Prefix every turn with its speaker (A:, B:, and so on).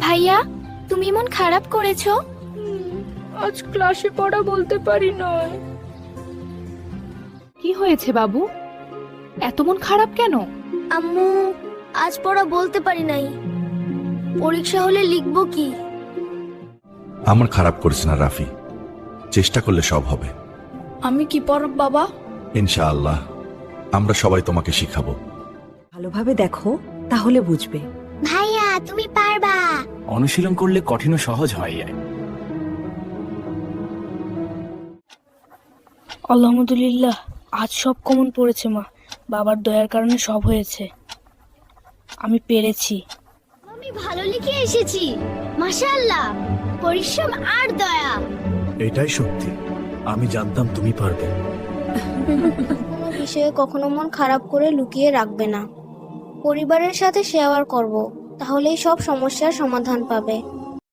A: ভাইয়া, তুমি মন খারাপ করেছো?
B: আজ ক্লাসে পড়া বলতে পারি নয়।
C: কি হয়েছে বাবু, এত মন খারাপ কেন?
D: আম্মু, আজ পড়া বলতে পারি নাই। পরীক্ষা হলে লিখবো কি?
E: আমার খারাপ করিস না রাফি, চেষ্টা করলে সব হবে।
B: আমি কি পড়ব বাবা?
E: ইনশাআল্লাহ আমরা সবাই তোমাকে শিখাবো।
F: ভালোভাবে দেখো, তাহলে বুঝবে।
D: ভাইয়া, তুমি পারবা।
G: অনুশীলন করলে কঠিন ও সহজ হয়ে যায়।
B: আলহামদুলিল্লাহ, আজ সব কমন পড়েছে মা। বাবার দয়ার কারণে সব হয়েছে। আমি পেরেছি।
D: আমি ভালো লিখে এসেছি। মাশাআল্লাহ, পরিশ্রম আর দয়া।
H: এটাই সত্যি, আমি জানতাম তুমি পারবে।
D: কোনো বিষয়ে কখনো মন খারাপ করে লুকিয়ে রাখবে না। পরিবারের সাথে শেয়ার করব, তাহলেই সব সমস্যার সমাধান পাবে।